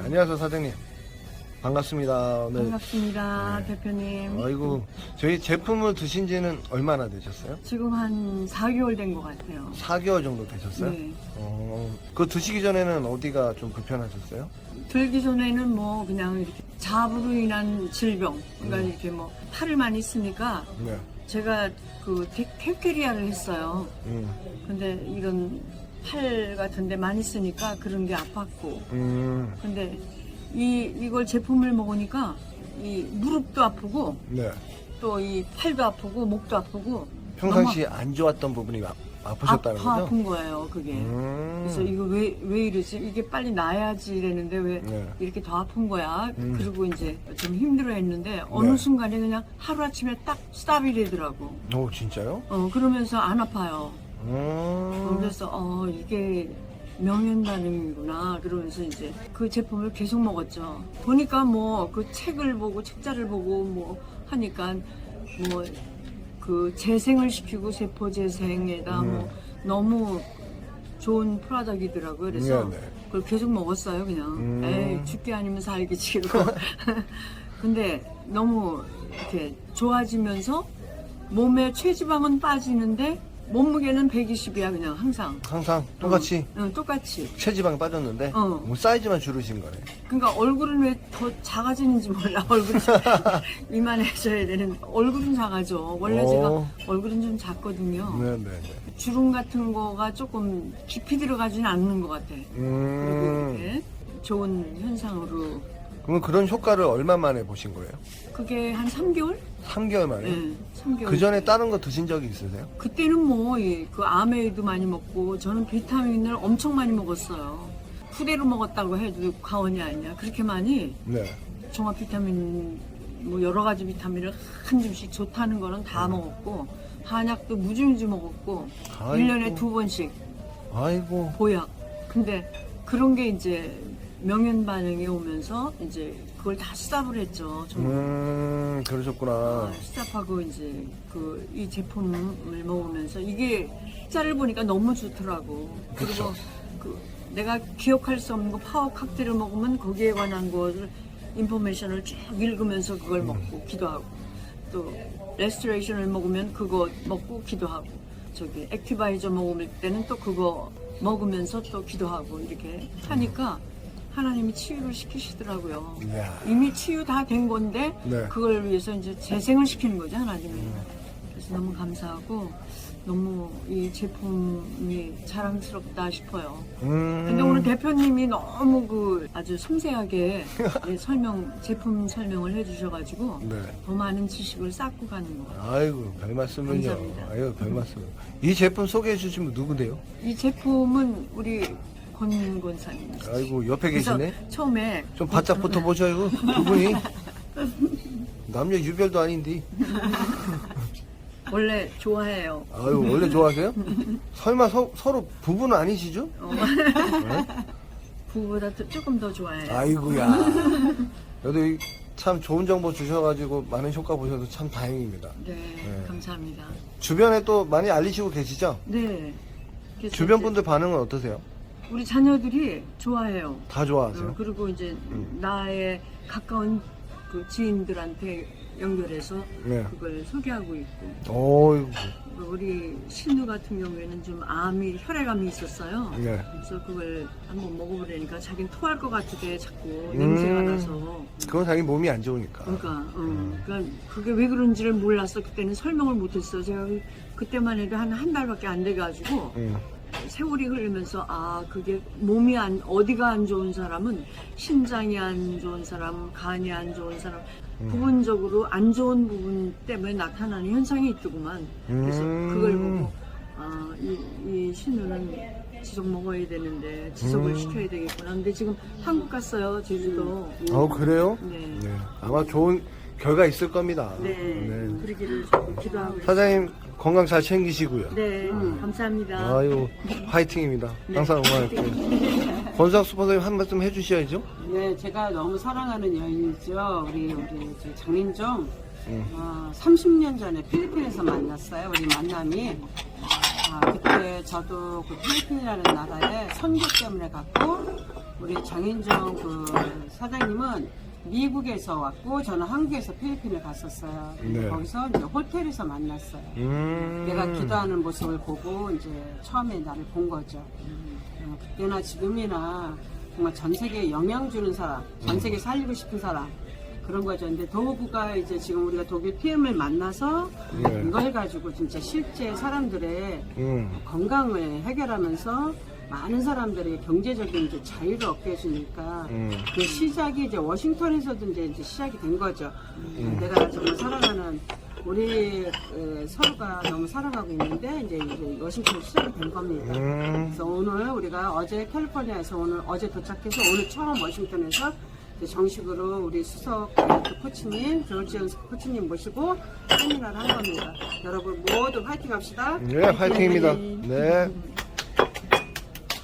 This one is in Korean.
안녕하세요, 사장님. 반갑습니다. 오늘. 반갑습니다, 네. 대표님. 아이고, 저희 제품을 드신 지는 얼마나 되셨어요? 지금 한 4개월 된 것 같아요. 4개월 정도 되셨어요? 네. 그거 드시기 전에는 어디가 좀 불편하셨어요? 들기 전에는 뭐 그냥 이렇게 자부로 인한 질병, 그러니까 이렇게 뭐 팔을 많이 쓰니까 네. 제가 그 탭캐리아를 했어요. 음. 근데 이런 팔 같은데 많이 쓰니까 그런 게 아팠고. 근데 이걸 제품을 먹으니까 이 무릎도 아프고 네. 또 이 팔도 아프고 목도 아프고 평상시에 안 좋았던 부분이 아프셨다는 거죠? 아픈 거예요, 그게. 그래서 이거 왜 이러지? 이게 빨리 나아야지 이랬는데 왜 네. 이렇게 더 아픈 거야? 그리고 이제 좀 힘들어 했는데 어느 네. 순간에 그냥 하루아침에 딱 스탑이 되더라고. 오, 진짜요? 그러면서 안 아파요. 음. 그래서 이게 명현 반응이구나. 그러면서 이제 그 제품을 계속 먹었죠. 보니까 뭐 그 책을 보고 책자를 보고 뭐 하니까 뭐 그 재생을 시키고 세포 재생에다 뭐 너무 좋은 프로덕이더라고요. 그래서 네, 네. 그걸 계속 먹었어요. 그냥 에이 죽기 아니면 살기지 이러고. 근데 너무 이렇게 좋아지면서 몸에 체지방은 빠지는데 몸무게는 120이야 그냥 항상. 항상 똑같이 응, 똑같이. 체지방이 빠졌는데 어. 사이즈만 줄으신 거네. 그러니까 얼굴은 왜 더 작아지는지 몰라. 얼굴이 이만해져야 되는. 얼굴은 작아져. 원래 제가 얼굴은 좀 작거든요. 네네네. 주름 같은 거가 조금 깊이 들어가지는 않는 것 같아. 그리고 이렇게 좋은 현상으로. 그러면 그런 효과를 얼마 만에 보신 거예요? 그게 한 3개월? 3개월 만에? 네, 3개월. 그 전에 다른 거 드신 적이 있으세요? 그때는 뭐, 그 아메이도 많이 먹고, 저는 비타민을 엄청 많이 먹었어요. 푸대로 먹었다고 해도 과언이 아니야. 그렇게 많이 네. 종합 비타민, 뭐 여러 가지 비타민을 한 줌씩 좋다는 거는 다 먹었고, 한약도 무지무지 먹었고, 아이고. 1년에 2번씩 아이고. 보약. 근데 그런 게 이제 명현 반응이 오면서 이제 그걸 다 스탑을 했죠. 정말. 그러셨구나. 스탑하고 이제 이 제품을 먹으면서 이게 짤을 보니까 너무 좋더라고. 그쵸. 그리고 내가 기억할 수 없는 거 파워 칵테일을 먹으면 거기에 관한 거를 인포메이션을 쭉 읽으면서 그걸 먹고 기도하고 또 레스토레이션을 먹으면 그거 먹고 기도하고 저기 액티바이저 먹을 때는 또 그거 먹으면서 또 기도하고 이렇게 하니까 하나님이 치유를 시키시더라고요. 이야. 이미 치유 다 된 건데 네. 그걸 위해서 이제 재생을 시키는 거죠, 하나님이. 그래서 너무 감사하고 너무 이 제품이 자랑스럽다 싶어요. 근데 오늘 대표님이 너무 아주 섬세하게 제품 설명을 해주셔가지고 네. 더 많은 지식을 쌓고 가는 거예요. 아이고, 별 말씀은요. 감사합니다. 아유, 별 말씀. 이 제품 소개해 주시면 누구세요? 이 제품은 우리 권 권사님. 아이고, 옆에 그래서 계시네? 처음에 좀 바짝 붙어보셔요, 두 분이. 남녀 유별도 아닌데. 원래 좋아해요. 아유, 원래 좋아하세요? 설마 서로 부부는 아니시죠? 부부보다 조금 더 좋아해요. 아이고야. 그래도 참 좋은 정보 주셔가지고 많은 효과 보셔서 참 다행입니다. 네, 감사합니다. 주변에 또 많이 알리시고 계시죠? 네. 그래서 주변 이제 분들 반응은 어떠세요? 우리 자녀들이 좋아해요. 다 좋아하세요? 그리고 이제 나의 가까운 그 지인들한테 연결해서 네. 그걸 소개하고 있고. 어이구. 우리 신우 같은 경우에는 좀 혈액암이 있었어요. 네. 그래서 그걸 한번 먹어보려니까 자기는 토할 것 같은데 자꾸 냄새가 나서. 그건 자기 몸이 안 좋으니까. 그러니까 그게 왜 그런지를 몰랐어. 그때는 설명을 못했어. 제가 그때만 해도 한 달밖에 안 돼가지고 세월이 흐르면서 그게 몸이 어디가 안 좋은 사람은 심장이 안 좋은 사람, 간이 안 좋은 사람 부분적으로 안 좋은 부분 때문에 나타나는 현상이 있더구만. 그래서 그걸 보고 이 신우는 지속 먹어야 되는데 지속을 시켜야 되겠구나. 근데 지금 한국 갔어요, 제주도. 그래요? 네. 네. 아마 좋은 결과 있을 겁니다. 네. 그러기를 기도하고 있습니다. 사장님 건강 잘 챙기시고요. 네, 감사합니다. 아유, 화이팅입니다. 항상 응원할게요. 권수학 슈퍼사님 한 말씀 해주셔야죠. 네, 제가 너무 사랑하는 여인이죠. 우리 장민정. 30년 전에 필리핀에서 만났어요. 우리 만남이. 그때 저도 그 필리핀이라는 나라에 선교 때문에 갔고 우리 장인정 그 사장님은 미국에서 왔고 저는 한국에서 필리핀을 갔었어요. 네. 거기서 이제 호텔에서 만났어요. 내가 기도하는 모습을 보고 이제 처음에 나를 본 거죠. 그때나 지금이나 정말 전 세계에 영향 주는 사람, 전 세계 살리고 싶은 사람 그런 거죠. 근데 도구가 이제 지금 우리가 독일 PM을 만나서 네. 이걸 가지고 진짜 실제 사람들의 건강을 해결하면서 많은 사람들이 경제적인 이제 자유를 얻게 해주니까 그 시작이 이제 워싱턴에서도 이제 시작이 된 거죠. 내가 정말 사랑하는 우리 서로가 너무 사랑하고 있는데 이제 워싱턴 시작이 된 겁니다. 그래서 오늘 우리가 어제 캘리포니아에서 어제 도착해서 오늘 처음 워싱턴에서 이제 정식으로 우리 수석 다이어트 코치님, 조지언 코치님 모시고 세미나를 한 겁니다. 여러분 모두 화이팅 합시다. 네, 화이팅입니다. 네.